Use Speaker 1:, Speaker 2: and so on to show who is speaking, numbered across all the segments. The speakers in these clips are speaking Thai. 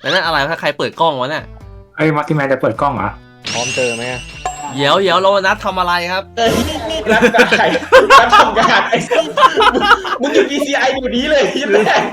Speaker 1: แล้วนั่นอะไรถ้าใครเปิดกล้องวะเนี่ย
Speaker 2: เอ้ยมัลติแมนจะเปิดกล้องเหรอ
Speaker 3: พร้อมเจอไหม
Speaker 1: เดี๋ยวเรานัดทำอะไรครับ
Speaker 4: นัดใครนัดทำงานไอ้มึงอยู่ DCI อยู่นี้เลยที่แรก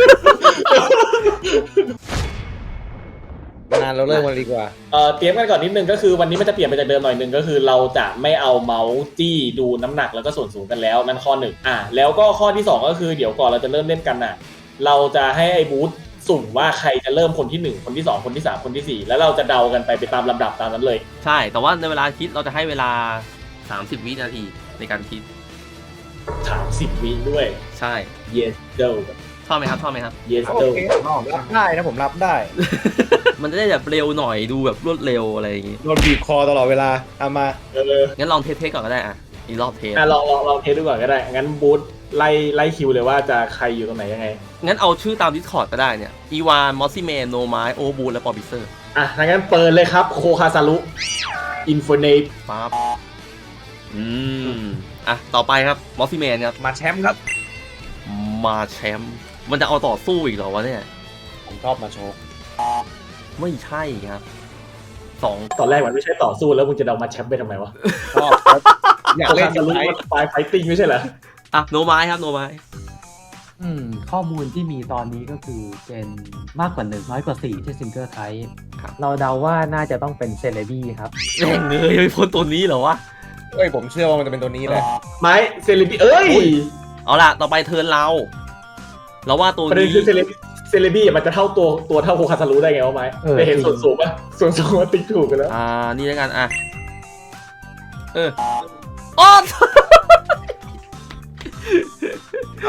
Speaker 3: งานเราเริ่มกันดีกว่า
Speaker 4: เตรียมกันก่อนนิดนึงก็คือวันนี้มันจะเปลี่ยนไปจากเดิมหน่อยนึงก็คือเราจะไม่เอาเมาส์จี้ดูน้ำหนักแล้วก็ส่วนสูงกันแล้วนั่นข้อหนึ่งแล้วก็ข้อที่2ก็คือเดี๋ยวก่อนเราจะเริ่มเล่นกันเราจะให้ไอ้บูธสุ่มว่าใครจะเริ่มคนที่1คนที่2คนที่3คนที่4แล้วเราจะเดากันไปตามลำดับตามนั้นเลย
Speaker 1: ใช่แต่ว่าในเวลาคิดเราจะให้เวลา30วินาทีในการคิด
Speaker 4: 30วิด้วย
Speaker 1: ใช่
Speaker 4: yes do
Speaker 1: ชอบไหมครับ
Speaker 4: yes
Speaker 3: โอ
Speaker 4: do
Speaker 3: เครับได้นะผมรับได้
Speaker 1: มันจะได้แบบเร็วหน่อยดูแบบรวดเร็วอะไรอย่างงี้
Speaker 3: โดนบีบคอตลอดเวลาเอามา
Speaker 1: งั้นลองเทสก่อนก็ได้อีกรอบเทส
Speaker 4: ลองเทสดูก่อนก็ได้งั้นบูธไล่คิวเลยว่าจะใครอยู่ตรงไหนยังไง
Speaker 1: งั้นเอาชื่อตาม Discord ก็ได้เนี่ยอีวานมอสซี่แมนโนไมโอบูและปอบิเซอร์
Speaker 4: งั้นเปิดเลยครับโคคาซารุอินโฟเนต
Speaker 1: ปั๊บต่อไปครับมอสซี่แมนครับ
Speaker 3: มาแชมป์ครับ
Speaker 1: มาแชมป์มันจะเอาต่อสู้อีกเหรอวะเนี่ย
Speaker 3: ผมชอบมาโชว์
Speaker 1: ไม่ใช่ครับ
Speaker 4: ตอนแรกมันไม่ใช่ต่อสู้แล้วมึงจะเดามาแชมป์ไปทำไมวะ
Speaker 3: ชอบอยากเล่น
Speaker 4: ไฟติ้งไม่ใช่เหรอ
Speaker 1: โนไม้ครับโนไม้
Speaker 5: ข้อมูลที่มีตอนนี้ก็คือเป็นมากกว่า1น้อยกว่า4ที่ซิงเกิลไทป์เราเดาว่าน่าจะต้องเป็นเซเลบี้ครับ
Speaker 1: แม่งเลยไม่พ้นตัวนี้เหรอวะ
Speaker 3: ผมเชื่อว่ามันจะเป็นตัวนี้แหละ
Speaker 4: ไม้เซเลบี้
Speaker 1: เอาล่ะต่อไปเทิร์นเราว่าตัวนี้
Speaker 4: คือเซเลบี้มันจะเท่าตัวเท่าโคคาซารุได้ไงวะไม้ได้เห็นส่วนสูงป่ะส่วนสูงมันติ๊กถูกกันแล้ว
Speaker 1: นี่แล้วกัน
Speaker 4: เอา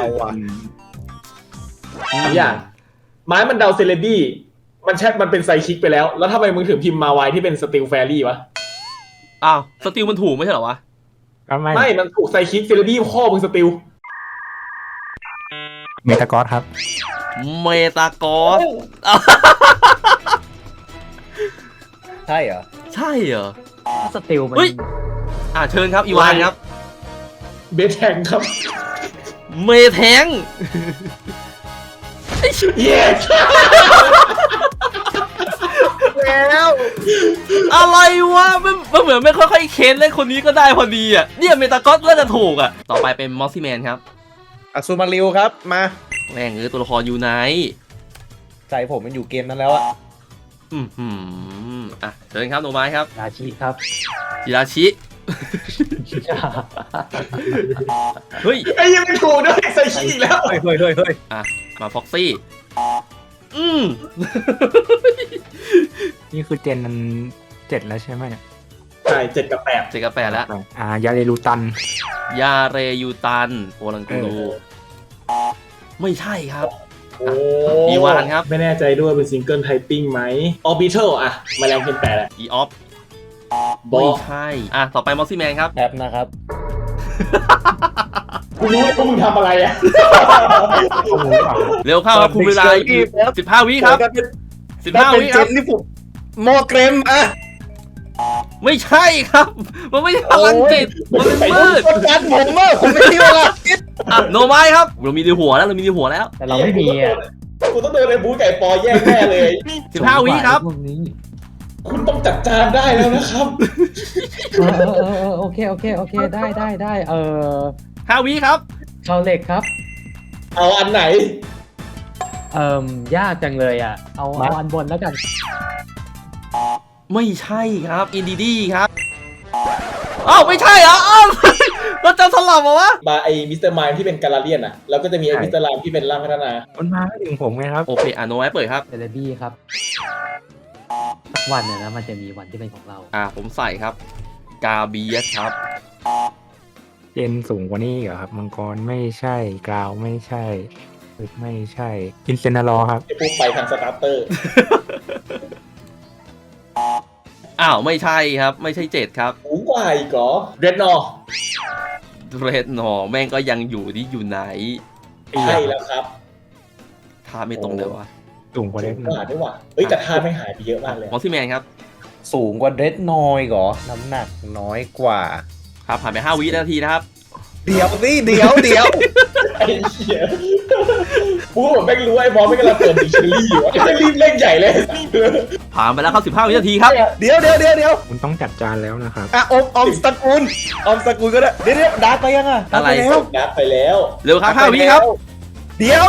Speaker 4: อย่างไม้มันเดาเซเลบี้มันเป็นไซคิกไปแล้วทำไมมึงถึงพิมพ์มาไวที่เป็นสติลแฟรี่วะ
Speaker 1: สติลมันถูกไม่ใช่เหรอวะ
Speaker 4: ไม่มันถูกไซคิกเซเลบี้ข้อมึงสติล
Speaker 2: เมตากอสครับ
Speaker 1: เมตากอส
Speaker 3: ใช่เหรอ
Speaker 5: สติลมัน
Speaker 1: เชิญครับอีวานครับ
Speaker 4: เบสแทงครับ
Speaker 1: เมแทง
Speaker 4: yes
Speaker 1: แล้วอะไรวะมันเหมือนไม่ค่อยๆเค้นเล่นคนนี้ก็ได้พอดีเนี่ยเมตากอสน่าจะถูกต่อไปเป็นมอสซี่แมนครับ
Speaker 3: อัศมาริวครับมา
Speaker 1: แม่งตัวละครอยู่ไหน
Speaker 3: ใจผมมันอยู่เกมนั้นแล้ว
Speaker 1: เชิญครับโนไม้ครับ
Speaker 5: ราชิครับ
Speaker 1: จิราชิเฮ้ย
Speaker 4: ยังไม่ถูกด้วยใส่ขี้อีกแล้ว
Speaker 3: เฮ้ย
Speaker 1: มาฟ็อกซี่
Speaker 2: นี่คือเจนนั้น7แล้วใช่ไหมเนี่ย
Speaker 4: ใช่7 กับ 8
Speaker 1: แล้ว
Speaker 2: ยาเรลูตันโอลังกูรู
Speaker 1: ไม่ใช่ครับ
Speaker 4: อีวานครับไม่แน่ใจด้วยเป็นซิงเกิลไทปิ้งไหมออร์บิทัลมาแรงเป็น8แหละ
Speaker 1: อีออฟไม่ใช่ต่อไปมอสซี่แมนครับ
Speaker 3: แป๊บนะครับ
Speaker 4: กูรู้ว่ามึงทำอะไร
Speaker 1: เร็วเข้าครับคุณเวลา15 วิครับ15 วิครับ
Speaker 3: นี่ผมโมเกรม
Speaker 1: ไม่ใช่ครับมันไม่ใช่พลังจิตมันเป็นมืด
Speaker 3: การผมไม่มีเวลาคิด
Speaker 1: โนไม้ครับเรามีในหัวแล้ว
Speaker 5: แต่เราไม่มี
Speaker 4: กูต้องโดนไอ้บู๊ไก่ปอแย่แน่เลย
Speaker 1: 15 วิครับ
Speaker 4: คุณต้องจัดจานได้แล้วนะครับ
Speaker 5: โอเคได้
Speaker 1: 5 วิครับ
Speaker 5: ชาวเล็กครับ
Speaker 4: เอาอันไหน
Speaker 5: ยากจังเลยเอาอันบนแล้วกัน
Speaker 1: ไม่ใช่ครับอินดีดีครับไม่ใช่เหรอเราจะสลับเหรอวะ
Speaker 4: มาไอ้มิสเตอร์ไมล์ที่เป็นกาลาเลียนแล้วก็จะมีไอ้มิสเตอร์ไลม์ที่เป็นร่างพัฒนา
Speaker 2: มันมาไม่ถึงผมไงครับ
Speaker 1: โอเคโนไว้เปิดครับ
Speaker 5: เซเลบี้ครับสักวันเนี่ยนะมันจะมีวันที่เป็นของเรา
Speaker 1: ผมใส่ครับกาเบียสครับ
Speaker 2: เจนสูงกว่านี้เหรอครับมังกรไม่ใช่กราวไม่ใช่ไม่ใช่อินเซนารอครับ
Speaker 4: ไอ้พวกไปทางสตาร์เตอร์
Speaker 1: ไม่ใช่ครับไม่ใช่7ครับ
Speaker 4: สูงกว่าอีกเหรอเรดนอ
Speaker 1: แม่งก็ยังอยู่ที่อยู่ไหน
Speaker 4: ใช่แล้วครับ
Speaker 1: ท่าไม่ตรงเลยวะ
Speaker 2: สูงกว่าเรดนอ
Speaker 4: ด้วยว่ะแต่ท่าไม่หายไปเยอะมากเลย
Speaker 1: มอสซี่แมนครับ
Speaker 3: สูงกว่าเรดนอยเหรอน้ำหนักน้อยกว่า
Speaker 1: ครับผ่านไป5 วินาทีนะครับ
Speaker 3: เดี๋ยวไอ้เหี้ยผ
Speaker 4: กูก็แบบแม่งรู้ไอ้บอลไม่กำลังเปิดดิกชันนารีอยู่ไอ้แม่งรีบเล่นใหญ่เลย
Speaker 1: ผ่านไปแล้วครับ15 วินาทีครับ
Speaker 3: เดี๋ยว
Speaker 2: คุณต้องจัดจานแล้วนะครับ
Speaker 3: อ่ะอมสกุลก็ได้เดี๋ยวดาร์กไปยังอ่ะ
Speaker 1: อะไร
Speaker 3: ดาร์กปแล้ว
Speaker 4: นัดไปแล้ว
Speaker 1: เร็วครับ5 วิครับ
Speaker 3: เดี๋ยว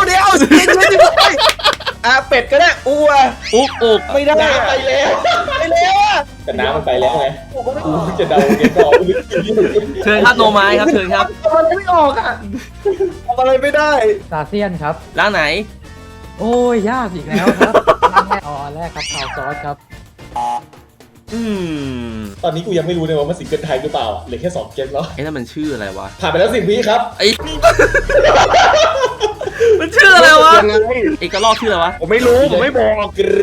Speaker 3: อ่ะเป็ดก็ได้อูอ่ะ
Speaker 1: อุ๊ก
Speaker 3: ไม่ได้
Speaker 4: น้ำไปแล้ว
Speaker 3: ไปแล้วอ่ะ
Speaker 4: แต่น้ำมันไปแล้วไงกูจะเดาเกมก่อน
Speaker 1: เชิญครับโนไม้ครับเชิญครับ
Speaker 3: ทำอะไรไม่ออกอ่ะทำอะไรไม่ได้
Speaker 5: ซาเซียนครับ
Speaker 1: ร้านไหน
Speaker 5: โอ้ยยากอีกแล้วครับอันแรกครับข่าวซอสครับ
Speaker 1: อืม
Speaker 4: ตอนนี้กูยังไม่รู้เลยว่ามันซิงเกิลไทยหรือเปล่าอ่ะเหลือแค่2 เกมแล้ว
Speaker 1: ไอ้นั่นมันชื่ออะไรวะ
Speaker 4: ผ่านไปแล้ว10 วิครับ
Speaker 1: ไอ้ มันชื่ออะไรวะเอกลอกชื่ออะไรวะ
Speaker 3: ผมไม่รู้ผมไม่บอก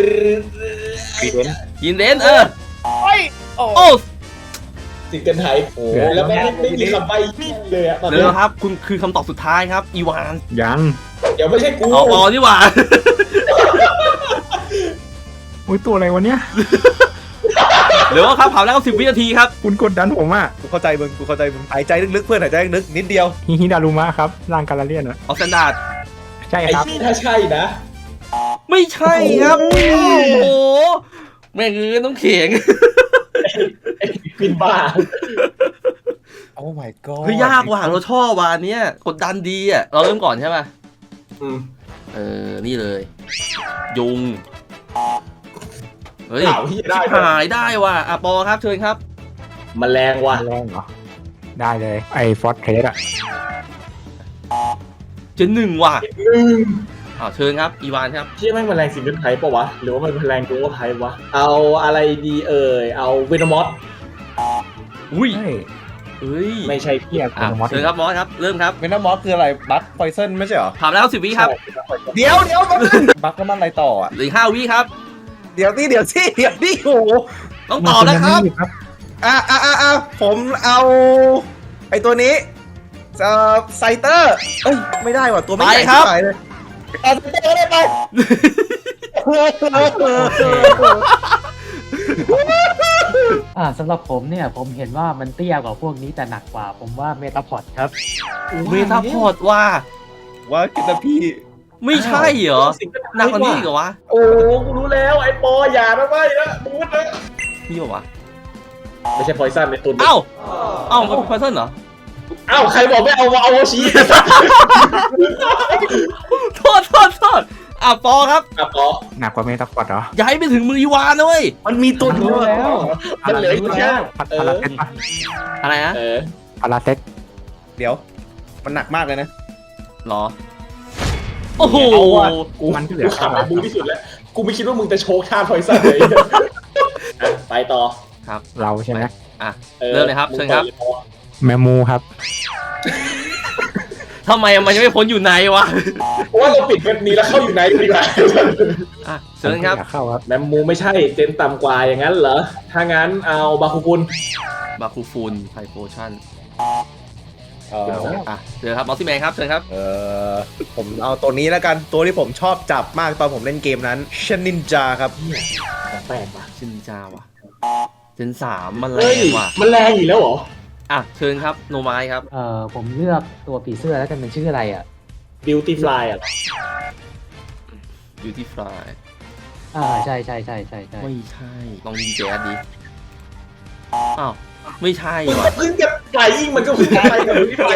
Speaker 1: ยินเดนโอ้
Speaker 4: ซิงเกิลไทยโอ้แล้วไม่มีคำใบ้เลยอะตอน
Speaker 1: เร็
Speaker 4: นี้
Speaker 1: วครับคุณคือคำตอบสุดท้ายครับอีวาน
Speaker 2: ยัง
Speaker 4: เดี๋ยวไม่ใช่กู
Speaker 1: อ๋อนี่หว่า
Speaker 2: อุ้ยตัวอะไรวะเนี่ย
Speaker 1: เร็วครับผ่านแล้ว10 วินาทีครับ
Speaker 2: คุณกดดันผมอ่ะ
Speaker 3: กูเข้าใจมึงหายใจลึกๆเพื่อนหายใจลึกๆนิดเดียว
Speaker 2: ฮิดารุมะครับร่างกาลาเลียนอ่ะ
Speaker 1: ออสแตนดาร์ด
Speaker 2: ใช่
Speaker 4: ไอ้
Speaker 2: ครับ
Speaker 4: ที่ถ้าใช่นะ
Speaker 1: ไม่ใช่ครับโอ้โหแม่งคือต้องเข่ง
Speaker 4: ปินบ้า
Speaker 3: โอ้ my god
Speaker 1: เฮ้ยยากว่ะเราชอบว่ะอันเนี้ยกดดันดีอ่ะเราเริ่มก่อนใช่ป่ะ นี่เลย ยุงเฮ้ย
Speaker 4: ข่าวที่ได้
Speaker 1: หายได้ว่ะปอครับเชิญครับ
Speaker 4: แมลงว่ะ
Speaker 2: แรงเหรอ ได้เลยไอ้ฟอสเทสอ่ะ
Speaker 1: เจน1ว่ะเชิญครับอีวานครับ
Speaker 4: เชี่ยแม่งแมลงซิงเกิลไทยปะวะหรือว่ามันแมลงดูว่าไทยวะเอาอะไรดีเอาเวนอมอส
Speaker 1: อุ้ย
Speaker 2: ใช่
Speaker 1: เฮ้ย
Speaker 4: ไม่ใช่
Speaker 2: เทียบกับมอส
Speaker 1: เชิญครับมอสครับเริ่มครับ
Speaker 3: เวนามอสคืออะไรบัคพอยเซนไม่ใช่เหรอ
Speaker 1: ผ่านแล้ว10 วิครับ
Speaker 3: เดี๋ยวแป๊บนึงบัคแล้วมันอะไรต่ออ่ะ
Speaker 1: เหลืออก5 วิครับ
Speaker 3: เดี๋ยวนี่โอ้โห
Speaker 1: ต้องตอบนะครับ
Speaker 3: ผมเอาไอตัวนี้ไซเตอร์เอ้ยไม่ได้ว่ะตัวไม่ใหญ่
Speaker 1: ไปครับ
Speaker 3: เท่าไหร่เลยไซเตอร์ได้ไป
Speaker 5: สำหรับผมเนี่ยผมเห็นว่ามันเตี้ยกว่าพวกนี้แต่หนักกว่า ผมว่าเมตาพอดครับ
Speaker 1: เมตาพอร์ตว่า
Speaker 3: ว่ากินพี่
Speaker 1: ไม่ใช่เหรอหนักกว่านี้อีกเหรอวะ
Speaker 4: โอ้กูรู้แล้วไอ้ปออย่านะไม่นะมึงนะ
Speaker 1: นี่ป่าวะ
Speaker 4: ไม่ใช่พอยซันในตัว
Speaker 1: เอ้ามันเป็นพอยซันเหรอ
Speaker 4: ใครบอกไม่เอาโอชี
Speaker 1: โทษปอครับ
Speaker 4: ปอ
Speaker 2: หนักกว่าเมตาฟอดเหรอ
Speaker 1: อย่าให้ไปถึงมืออีวานนะเว้ย
Speaker 3: มันมีตัวเดียว
Speaker 5: รู้แล้ว
Speaker 4: มันเหลืออีกแค่
Speaker 2: พาราเซตปะ
Speaker 1: อะไรนะ
Speaker 2: พาราเซต
Speaker 3: เดี๋ยวมันหนักมากเลยนะ
Speaker 1: หรอ โอ้โห
Speaker 2: มันก็เหลื
Speaker 4: กู
Speaker 2: อ
Speaker 4: ขำกับมึงที่สุดแล้วกูไม่คิดว่ามึงจะโชว์ท่าพอยซันเลยไปต่อ
Speaker 1: ครับ
Speaker 2: เราใช่ไหม
Speaker 1: เริ่มเลยครับเชิญครับ
Speaker 2: แมมูครับ
Speaker 1: ทำไมมันยังไม่พ้นอยู่ในวะ
Speaker 4: เพราะว่าเราปิดเว็บนี้แล้วเข้าอยู่ในดีกว่า
Speaker 1: เชิญครับ
Speaker 2: อยากเข้าครับ
Speaker 4: แมมมูไม่ใช่เจนต่ำกว่าอย่างนั้นเหรอ ถ้างั้นเอาบาคุกุล
Speaker 1: บาคูฟูนไพโพชั่นเชิญครับมอสซี่แมนครับเชิญครับ
Speaker 3: ผมเอาตัวนี้แล้วกันตัวที่ผมชอบจับมากตอนผมเล่นเกมนั้นเชนนินจาครับ
Speaker 4: ของแปลกว่ะ
Speaker 1: ชินจาวะเจน3มันแร
Speaker 4: เฮ้ย
Speaker 1: งว่ะ
Speaker 4: มันแรงอีกแล้วเหรอ
Speaker 1: เชิญครับโนไม้ครับ
Speaker 5: ผมเลือกตัวผีเสื้อแล้วกันมันชื่ออะไรอ่ะ
Speaker 4: บิวตี้ฟลายอ่ะ
Speaker 1: Beauty Fly
Speaker 5: ใช่
Speaker 1: ไม่ใช่ลองยิงแจ๊ดดิไม่ใช่ว่ะ
Speaker 4: เพิ่งจะไฟยิ่งมันก็เพิ่งจะไปกับบิวตี้ฟลาย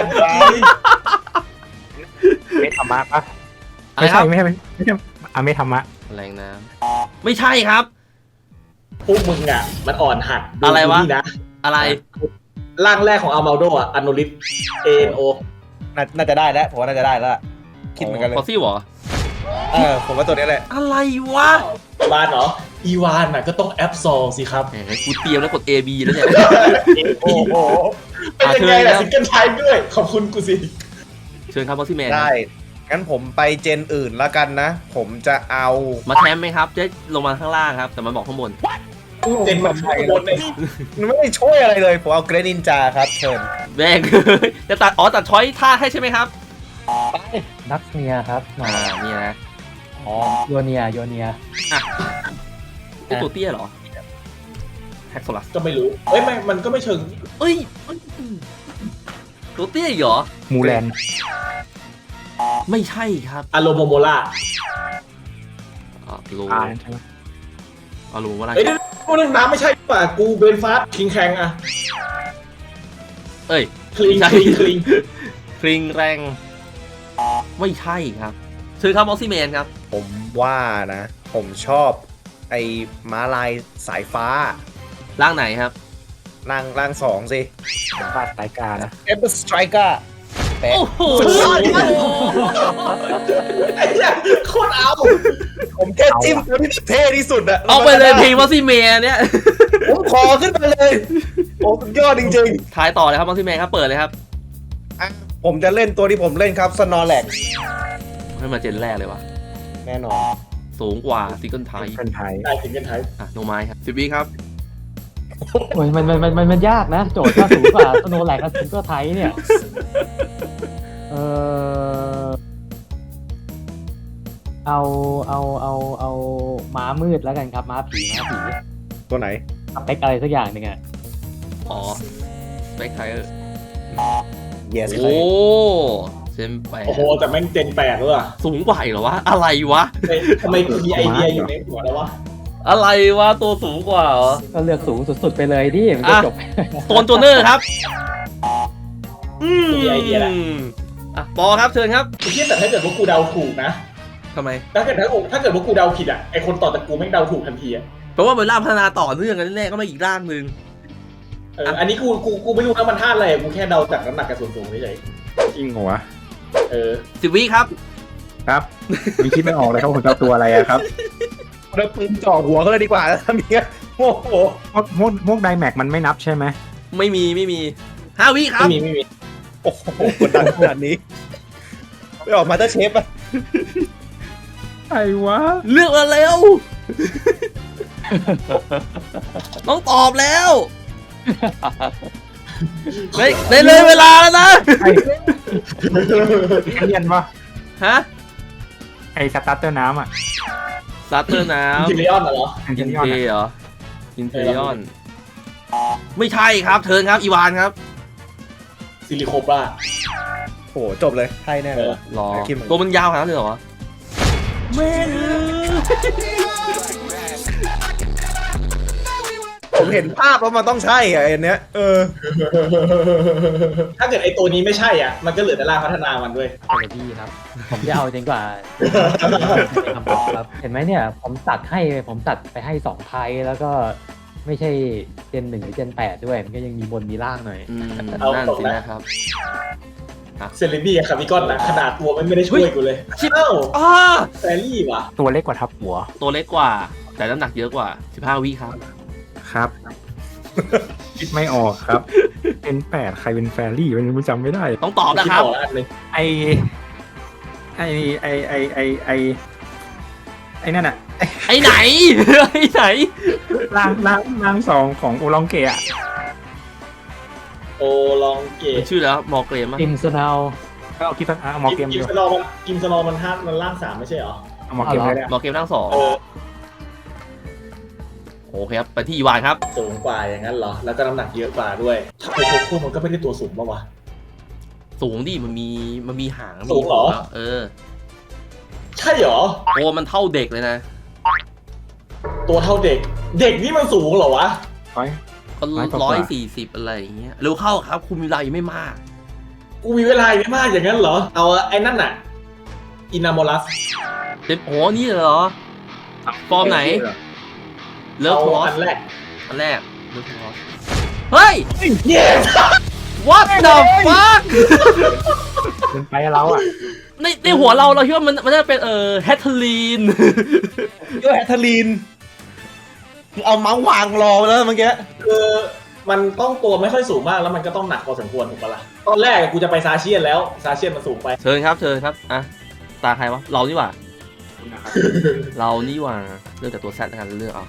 Speaker 2: เมธรรมะปะ
Speaker 1: อะไรครับ
Speaker 2: ไม่ใช่เมธรรมะ
Speaker 1: แรงน้ำไม่ใช่ครับ
Speaker 4: พวกมึงอ่ะ มันอ่อนหัด
Speaker 1: อะไรวะ
Speaker 4: ดูนี่นะ
Speaker 1: อะไร
Speaker 4: ร่างแรกของอาร์มาโดอ่ะอโนลิส ANO
Speaker 3: น่าจะได้แล้วผมว่าน่าจะได้แล้วคิดเหมือนกันเลย
Speaker 1: ฟอสซี่เหรอ
Speaker 3: ผมว่าตัวนี้แหละ
Speaker 1: อะไรวะ
Speaker 4: วานเหรอ อีวานน่ะก็ต้องแอปซอลสิครับ
Speaker 1: แหมกูเตรียมแล้วกด A B แล้วเนี่ย
Speaker 3: โอ้โห
Speaker 4: เป็นยังไงล่ะ
Speaker 1: เชิญครับ
Speaker 4: ซิงเกิลไทม์ด้วย ขอบคุณกูสิ
Speaker 1: เชิญครับมอสซี่แมน
Speaker 3: ได้งั้นผมไปเจนอื่นแล้วกันนะ ผมจะเอา
Speaker 1: มาแทมไหมครับจะลงมาข้างล่างครับ แต่มันบอกข้างบน
Speaker 4: เจนมาข้างบนเนี่ย
Speaker 3: มันไม่ได้ช่วยอะไรเลยผมเอาเกรนินจาครับเชิญ
Speaker 1: แม่ง จะตัดตัดช้อยท่าให้ใช่ไหมครับ
Speaker 5: นักเนียครับ
Speaker 1: นี่นะ
Speaker 5: โยเนีย
Speaker 1: นี่ตัวเตี้ยเหรอแฮกโซลัส
Speaker 4: ก็ไม่รู้มันก็ไม่เชิง
Speaker 1: เอ้ยตัวเตี้ยอีกเหรอ
Speaker 2: มูแลน
Speaker 1: ไม่ใช่ครับ
Speaker 4: อารมณ์โมโมล่า
Speaker 1: โล
Speaker 2: ใช่ไหม
Speaker 1: อารมณ์ว่าอะไร
Speaker 4: เอ้ยเดี๋ยวพวกนั้นน้ำไม่ใช่ป่ะกูเบนฟาสคิงแคงอะ
Speaker 1: เอ้ย
Speaker 4: คลิง
Speaker 1: ใช่
Speaker 4: คลิง
Speaker 1: คริงแรงไม่ใช่ครับเชิญครับมอสซี่แมนครับ
Speaker 3: ผมว่านะ ผมชอบไอ้ม้าลายสายฟ้า
Speaker 1: ร่างไหนครับ
Speaker 3: ร่างสองสิ
Speaker 2: ผมว่าสายการนะ
Speaker 3: เอเ r อร์สไตรเกอร์แปะ
Speaker 1: โอ้โห
Speaker 4: ไอ้เนี่ยโคตรเอา
Speaker 3: ผมแค่จิ้มตัวที่เท่ที่สุดอะ
Speaker 1: เอาไปเลยเพลงมอสซี่แมนเนี่ย
Speaker 3: ผมขอขึ้นไปเลย โอ้สุดยอดจริง
Speaker 1: ทายต่อเลยครับมอสซี่แมนครับเปิดเลยครับ
Speaker 3: ๆอ่ะผมจะเล่นตัวที่ผมเล่นครับสนอแลก
Speaker 1: ให้มาเจนแรกเลยว่ะ
Speaker 3: แน่นอน
Speaker 1: สูงกว่าซิงเกิลไทย
Speaker 2: เป็นไทย
Speaker 4: ได้ถึงกันไทย
Speaker 1: อ่ะโนไม้ครับ10 วิครับ
Speaker 5: โอ้ยมันยากนะ โจทย์ถ้าสูงกว่าสโนว์แลกกับซิงเกิลไทยเนี่ยเออเอาม้ามืดแล้วกันครับม้าผี
Speaker 3: ตัวไหน
Speaker 5: สเปคอะไรสักอย่างหนึ่งอะ
Speaker 1: อ๋อสเปคไทย
Speaker 3: yes
Speaker 1: โอ้เจนแปด
Speaker 4: โอ้โหแต่แม่งเจน8ด้วยอะ
Speaker 1: สูงกว่าอีกเหรอวะ อะไรวะ
Speaker 4: ทำไมกูมีไอเดียอยู่ในหัวแล้ววะ
Speaker 1: อะไรวะ ตัวสูงกว่าเหรอ
Speaker 5: ก็เลือกสูงสุดๆไปเลยดิมันจะจบ
Speaker 1: โซนตัวเนอร์ครับ
Speaker 4: มีไอเดียแล้ว
Speaker 1: อ่ะปอครับเชิญครับ
Speaker 4: ไอ้เหี้ยแต่ถ้าเกิดว่ากูเดาถูกนะ
Speaker 1: ทำไม
Speaker 4: ถ้าเกิดว่ากูเดาผิดอะไอคนต่อจากกูแม่งเดาถูกทันทีอะ
Speaker 1: แปลว่ามันร่างพัฒนาต่อเนื่องกันแน่ๆก็มาอีกร่างหนึ่ง
Speaker 4: อันนี้กูไม่รู้นะมันท่าอะไรกูแค่เดาจากน้ำหนักกับส่วนสูงเฉย
Speaker 2: จริงเหรอวะ
Speaker 1: 10 วิครับ
Speaker 2: ครับมีคิดไม่ออกเลยครับผมจะเอาตัวอะไรอะครับ
Speaker 3: เราปืนจ่อหัวเขาเลยดีกว่าแล้วทำอย่างเงี้ยโอ้โห
Speaker 2: พวกไดแม็กมันไม่นับใช่ไหม
Speaker 1: ไม่มี5 วิครับ
Speaker 4: ไม่มี
Speaker 3: โอ้โหกดดันขนาดนี้ไปออกมาเตอร์เชฟอะ
Speaker 2: ไอ้วะ
Speaker 1: เลือกมาเร็ว ต้องตอบแล้วได้เลยเวลาแล้วนะ
Speaker 2: ไอ้เรียนปะ
Speaker 1: ฮะ
Speaker 2: ไอ้สตาร์เตอร์น้ำอ่ะ
Speaker 1: ซัตเตอร์น้
Speaker 4: จิริออนเหรอ
Speaker 2: อัน
Speaker 1: ำอิ
Speaker 2: ที่
Speaker 1: น
Speaker 2: ยอ
Speaker 1: เท
Speaker 2: ดอะ
Speaker 1: เหรออินเทริออนไม่ใช่ครับเทิร์นครับอีวานครับ
Speaker 4: ซิลิโคปรา
Speaker 3: โอ้โหจบเลยไทยแน่เลย
Speaker 1: รอ
Speaker 3: คิดเหมือนกัน
Speaker 1: ตัวมันยาวขนาดนั้นเลยเหรอไม่
Speaker 3: ผมเห็นภาพแล้วมันต้องใช่อะไอ้เนี้ย
Speaker 4: ถ้าเกิดไอตัวนี้ไม่ใช่อ่ะมันก็เหลือแต่ร่างพัฒนามันด้วย
Speaker 5: อะไรพี่ครับ ผมจะเอาจริงกว่าคำตอบครับ เห็นไหมเนี่ยผมตัดไปให้2ไทยแล้วก็ไม่ใช่เจน 1 หรือเจน 8 ด้วย มันก็ยังมีบนมีล่างหน่อย
Speaker 1: นั่น
Speaker 4: เอา
Speaker 1: สินะครับ
Speaker 4: เซเลบี้กับคาร์บิกอนนะขนาดตัวมันไม่ได้ช่วยกูเลย
Speaker 1: ชิบ
Speaker 4: เอ้า
Speaker 1: อ้า
Speaker 4: แฟรี่ว่ะ
Speaker 2: ตัวเล็กกว่าทับหัว
Speaker 1: ตัวเล็กกว่า แต่น้ำหนักเยอะกว่า15 วิครับ
Speaker 2: ครับ คิดไม่ออกครับ เป็น8ใครเป็นแฟรี่มันจำไม่ได้
Speaker 1: ต้องตอบนะครับ
Speaker 4: ดออกแล้วอันหนึง
Speaker 2: ไอไอนั่นอะ
Speaker 1: ไอ้ไหน ไอ้ไหน
Speaker 2: ร่างสองของโอลองเกะอะ
Speaker 4: โอลองเก
Speaker 1: เป็
Speaker 4: ต
Speaker 1: นชื่อแล้วมอเกรมอะ
Speaker 5: อิมสนาว
Speaker 2: ก็เอาคิดว่าเอาหมอเกม
Speaker 4: กิ
Speaker 2: ดี
Speaker 4: ม
Speaker 2: ก
Speaker 4: ส
Speaker 2: ว่า
Speaker 4: โนมันมันร่าง3ไม่ใช่เหรอ
Speaker 2: เอาหมอเกมเลยได้
Speaker 1: มอเกรมทั้งสอง
Speaker 4: เออ
Speaker 1: โอเคครับ ไปที่อีวานครับ
Speaker 4: สูงกว่าอย่างนั้นเหรอ แล้วก็น้ำหนักเยอะกว่าด้วยถ้าโคโค่มันก็ไม่ได้ตัวสูงป่าวะ
Speaker 1: สูงดิมันมีหาง
Speaker 4: สูงเหรอ
Speaker 1: แล้วเออ
Speaker 4: ใช่เหรอ
Speaker 1: ตัวมันเท่าเด็กเลยนะ
Speaker 4: ตัวเท่าเด็ก เด็กนี่มันสูงเหรอวะ
Speaker 2: ร้อย
Speaker 1: ก็
Speaker 2: ร้อยกว่า
Speaker 1: 140อะไรอย่างเงี้ยเร็วเข้าครับ คุณมีเวลายังไม่มาก
Speaker 4: กูมีเวลาไม่มากอย่างนั้นเหรอ เอาไอ้นั่นน่ะอินาโมลัส
Speaker 1: เต็มโอ้นี่เหรอ ฟอร์มไหน เลิฟ
Speaker 4: เอา
Speaker 1: คอ
Speaker 4: อั
Speaker 1: ส
Speaker 4: นแรก
Speaker 1: อันแรกเลิฟคอสเฮ้ย
Speaker 4: เย้
Speaker 1: what the fuck
Speaker 2: เป็นไปเราอะ
Speaker 1: ในหัวเราคิดว่ามันจะเป็นแฮทเทอรีน
Speaker 3: เยอะแฮทเทอรีนเอาเมาส์วางรอแล้วเมื่อกี้
Speaker 4: คือมันต้องตัวไม่ค่อยสูงมากแล้วมันก็ต้องหนักพอสมควรถูกปะล่ะ ตอนแรกกูจะไปซาเชียนแล้วซาเชียนมันสูงไป
Speaker 1: เชิญครับอ่ะตาใครวะเรานี่หว่า เรานี่หว่าเลือกจากตัวแซดแล้วกันเลือกเอา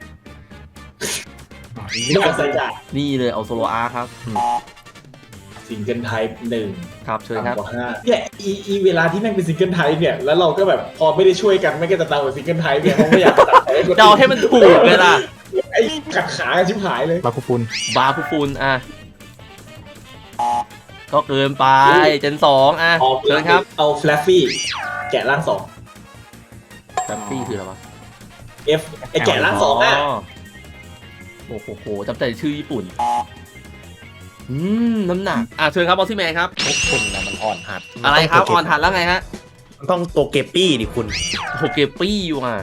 Speaker 4: ไม่เอาใส่จ่า
Speaker 1: นี่เลยเอาโซโลอาร์ครับ
Speaker 4: ซิงเกิลไทป์1
Speaker 1: ครับเชิญครับ
Speaker 4: ต่ำกว่า5เนี่ยอีเวลาที่แม่งเป็นซิงเกิลไทป์เนี่ยแล้วเราก็แบบพอไม่ได้ช่วยกันไม่ก็จะตามกับซิงเกิลไทป์เนี่ยเขาไม่อยากตัดไป
Speaker 1: เดาให้มันถูกเลยล่ะ
Speaker 4: ไอ้ขัดขากันชิบหายเลย
Speaker 2: บาคูฟุน
Speaker 1: บาคูฟูนอ่ะก็เกินไปเจน2อ่ะ
Speaker 4: เอา
Speaker 1: เชิญครับ
Speaker 4: เอาแฟลฟฟี่แกะร่างสอง
Speaker 1: แฟมฟี่คืออะไรวะ
Speaker 4: F ไอแกะร่างสองอ่ะ
Speaker 1: โอ้โหจำใจชื่อญี่ปุ่นน้ำหนักเชิญครับบอสซี่แมนครับ
Speaker 3: พวกคุณนะมันอ่อนหัด
Speaker 1: อะไรครับอ่อนหัดแล้วไงฮะ
Speaker 3: มันต้องตัวเกปปี้ดิคุณ
Speaker 1: โหเกปปี้อยู่อ่ะ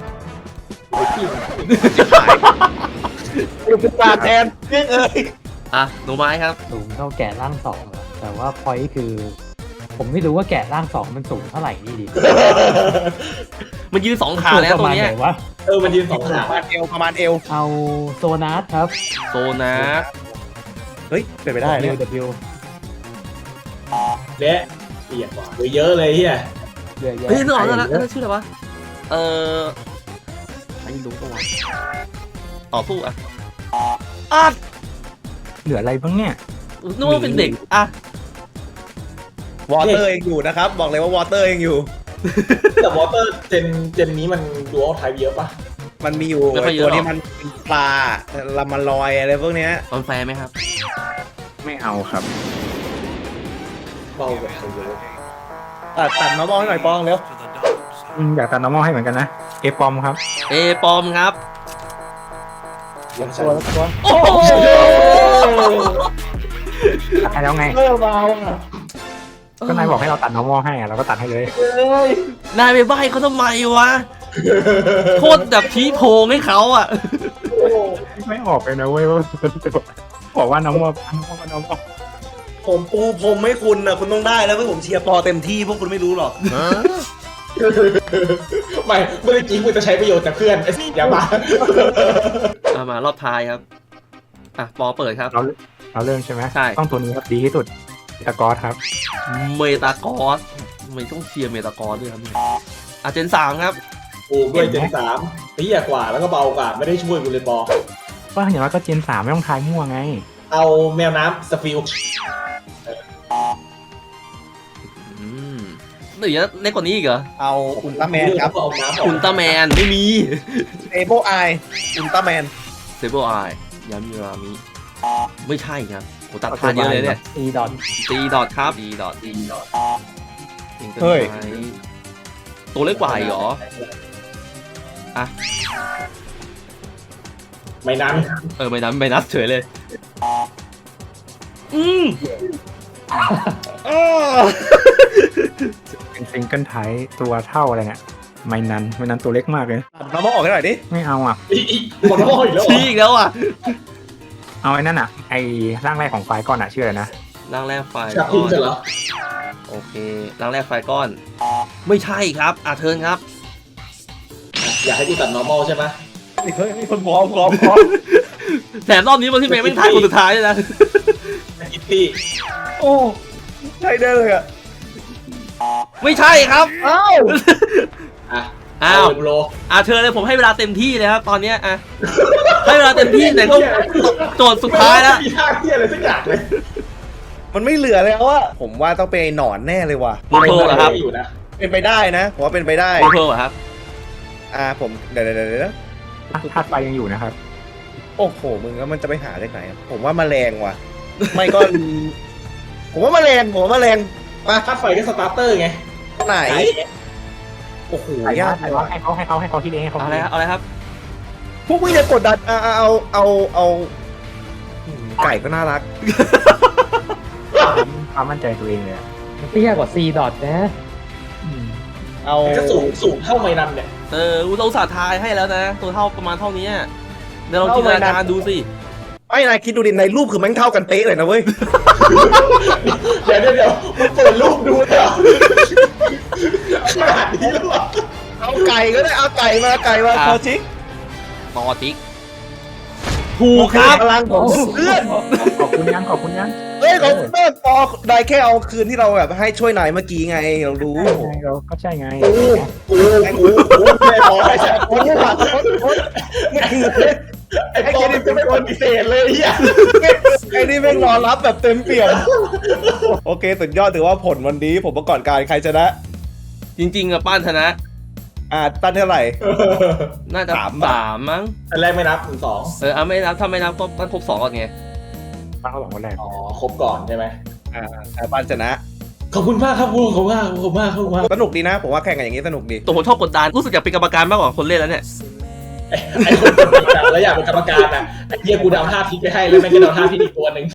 Speaker 3: เป็นปลาแทนเรื่องเอ้ย
Speaker 1: หนูไม้ครับ
Speaker 5: สูงเท่าแกะร่าง2เหรอแต่ว่าพอยต์คือ ผมไม่รู้ว่าแกะร่าง2มันสูงเท่าไหร่นี่ดิ
Speaker 1: มันยืน2 ขาแล้ว
Speaker 5: ประ
Speaker 1: ตัว
Speaker 5: มาณ
Speaker 1: เนี้
Speaker 5: ไห
Speaker 1: ย
Speaker 5: นวะ
Speaker 4: มันยืนสองขา
Speaker 3: ประมาณเอว
Speaker 5: เอาโซนัสครับ
Speaker 1: โซนัส
Speaker 3: เฮ้ยเป็นไปได้เนี่ย
Speaker 5: W
Speaker 4: และเปียกกว่าเยอะเลยเฮีย
Speaker 5: เยอะแยะ
Speaker 1: เฮ้ยนึกออกแล้วนะชื่ออะไรวะไม่รู้ปะวะต่อสู้อ่ะ
Speaker 2: เหลืออะไรบ้างเนี่ย
Speaker 1: นึกว่าเป็นเด็ก
Speaker 3: วอเตอร์ยังอยู่นะครับ บอกเลยว่าวอเตอร์ยังอยู่
Speaker 4: แต่วอเตอร์เจนนี้มันดูอัลไทป์เยอะปะ
Speaker 3: มันมีอยู่ไอ้ตัวนี้มันเป็นปลาลามาลอยอะไรพวกเนี้ย
Speaker 1: มันแฟร์ไหมครับ
Speaker 2: ไม่เอาครับ
Speaker 4: เบากว่าเขาเยอะ
Speaker 3: ตัดมามองให้หน่อยปองเร็ว
Speaker 2: อยากตัดน้ำมอให้เหมือนกันนะเอปอมครับ
Speaker 1: เอปอมครับ
Speaker 4: ยังใช่
Speaker 1: โอ้โห
Speaker 2: ตัดให้แล้วไง
Speaker 3: เบาอ่ะ
Speaker 2: ก็นายบอกให้เราตัดน้ำมอให้อะเราก็ตัดให้เลย
Speaker 1: นายไปใบ้เขาทำไมวะโคตรแบบชี้โพงให้เขาอ่ะ
Speaker 2: ไม่ออกเลยนะเว้ยว่าบอกว่าน้ำมอน้ำมอ
Speaker 3: ผมปูพรมให้คุณนะคุณต้องได้แล้วเพื่อผมเชียร์ปอเต็มที่พวกคุณไม่รู้หรอก
Speaker 4: ไม่เมื่อกี้คุณจะใช้ประโยชน์จากเพื่อนไอ้อย่ามา
Speaker 1: มารอบท้ายครับปอเปิดครับ
Speaker 2: เราเริ่มใช่ไหม
Speaker 1: ใช่
Speaker 2: ต้องตัวนี้ครับดีที่สุดตะกอสครับ
Speaker 1: เมตากอสไม่ต้องเชียร์เมตากอสด้วยครับเนี่ยเจน3ครับ
Speaker 4: โอ้ด้วยเจน3เตี้ยกว่าแล้วก็เบากว่าไม่ได้ช่วยกูเลยปอ
Speaker 2: ก็อย่างน้อยก็เจน3ไม่ต้องทายมั่วไง
Speaker 4: เอาแมวน้ำสฟิล
Speaker 1: หรือจะเล็กกว่านี้อีกเหรอ
Speaker 3: เอาอุลตร้าแมนครับ
Speaker 4: เอาน้ำออก
Speaker 1: อุลตร้าแมนไม่มี
Speaker 3: เอโบไออุลตร้าแมน
Speaker 1: เซเบอร์ไอยามิรามิไม่ใช่ครับโหตัดทานเยอะเลยเนี่ย
Speaker 5: E ดอท
Speaker 1: ตีดอทครับตีดอท
Speaker 3: เฮ้ย
Speaker 1: ตัวเล็กกว่าอีกเหรอ
Speaker 4: ไม่นั้น
Speaker 1: ไม่นับเฉยเลย
Speaker 2: เป็นซิงเกิลไทยตัวเท่าอะไรเนี่ยไม่นั้นตัวเล็กมากเลย
Speaker 3: เรามาออกให้หน่อยดิ
Speaker 2: ไม่เอาอ่ะ
Speaker 4: อีกหมดแล้วอีกแล้ว
Speaker 1: ชี้อีกแล้วอ่ะ
Speaker 2: เอาไอ้นั่นอ่ะไอ้ร่างแรกของไฟล์ก่อนอ่ะชื่ออะไรนะ
Speaker 1: ร่างแรกไฟ
Speaker 4: จาก
Speaker 1: ก้
Speaker 4: คุณ
Speaker 1: อน
Speaker 4: เสร็จแล้ว
Speaker 1: โอเคร่างแรกไฟก้อน ไม่ใช่ครับเทิร์นครับ
Speaker 4: อยากให้กูตัด normal ใช่ไหม
Speaker 3: เฮ้ยมีคนพร้อม
Speaker 1: แถมรอบนี้บอลที่เมย์ไม่ทายคนสุดท้ายเลยนะ
Speaker 4: กิตตี้
Speaker 3: โอ้ใช่ได้เลยอ่ะ
Speaker 1: ไม่ใช่ครับ
Speaker 3: อ้าว
Speaker 1: อ้าว
Speaker 4: โล
Speaker 1: เชิญเลยผมให้เวลาเต็มที่เลยครับตอนเนี้ยให้เวลาเต็มที่แต่ต้องโจทย์สุดท้ายแล้ว
Speaker 4: มีท่าเที่ยอะไรสักอย่างเลย
Speaker 3: มันไม่เหลือแล้วอะผมว่าต้องเป็นไอ้หนอนแน่เลยว่ะ
Speaker 1: โมโทเหรอครับ
Speaker 4: อยู่นะ
Speaker 3: เป็นไปได้นะผมว่าเป็นไปได้
Speaker 1: โมโทเหรอครับ
Speaker 3: ผมเดี๋ยว
Speaker 2: ธาตุไฟยังอยู่นะครับ
Speaker 3: โอ้โหมึงแล้วมันจะไปหาจากไหนอะผมว่าแมลงว่ะ ไม่ก็ ผมว่าแมลงมา
Speaker 4: ถ้าไฟก็สตาร์เตอร์ไง
Speaker 3: ไหนโอ้โหยาก
Speaker 2: ให้เขาที่เองให้เขา
Speaker 1: เอาอะไรครับเอาอะไรครับ
Speaker 3: พวกมึงจะกดดันเอาไก่ก็น่ารัก
Speaker 2: ความมั่นใจตัวเองเลยอะ
Speaker 5: เตี้ยกว่า C ดอทนะ
Speaker 3: เอา
Speaker 4: ก็สูงเท่าไมนันเนี่ย
Speaker 1: เราอุตส่าห์ทายให้แล้วนะ ตัวเท่าประมาณเท่านี้เดี๋ยวเราจินตนาการดูสิ
Speaker 3: ไอ้นายคิดดูดิในรูปคือแม่งเท่ากันเป๊ะเลยนะเว้ย
Speaker 4: เดี๋ยวมึงเปิดรูปดูเถอะขนาดนี้แล้วเหรอ
Speaker 3: เอาไก่ก็ได้เอาไก่มาคอชิก
Speaker 1: ตอติกถูกครับ
Speaker 3: พลังของเพื่อน
Speaker 2: ขอบคุณยัง
Speaker 3: เอ้ยของเพื่อนปอได้แค่เอาคืนที่เราแบบให้ช่วยนายเมื่อกี้ไงเรารู้
Speaker 2: เราก็ใช่ไง
Speaker 4: กูไม่พอไอ้แจ๊ค
Speaker 3: โอ้โหไม่คือ
Speaker 4: ไอ้ปอมันจะไม่ปฏิเสธเลยเฮีย
Speaker 3: ไอ้นี่แม่งรอรับแบบเต็มเปี่ยมโอเคสุดยอดถือว่าผลวันนี้ผมประกอบการใครชนะ
Speaker 1: จริงๆป้านชนะ
Speaker 3: ตั้นเท่าไหร่
Speaker 1: น่าจะ 3 มั้ง
Speaker 4: อันแรกไม่นับ2
Speaker 1: ไม่นับถ้าไม่นับก็ต้องครบ2ก่อนไง
Speaker 2: ฟังเขาบอกว่าแรก
Speaker 4: อ๋อครบก่อนใช่ไหม
Speaker 3: บ้านชนะ
Speaker 4: ขอบคุณมากครับขอบคุณมากขอบคุณมากขอบคุณมาก
Speaker 3: สนุกดีนะ ผมว่าแข่งกันอย่างนี้สนุกดี
Speaker 1: ตัวผมชอบกดดันรู้สึกอยากเป็นกรรมการมากกว่าคนเล่นแล้วเนี่ย
Speaker 4: ไอ้คนกดดันแล้วอยากเป็นกรรมการอ่ะไอ้เหี้ยกูเดาท่าพิษไปให้แล้วแม่งก็เดาท่าพิษอีกตัวหนึ่ง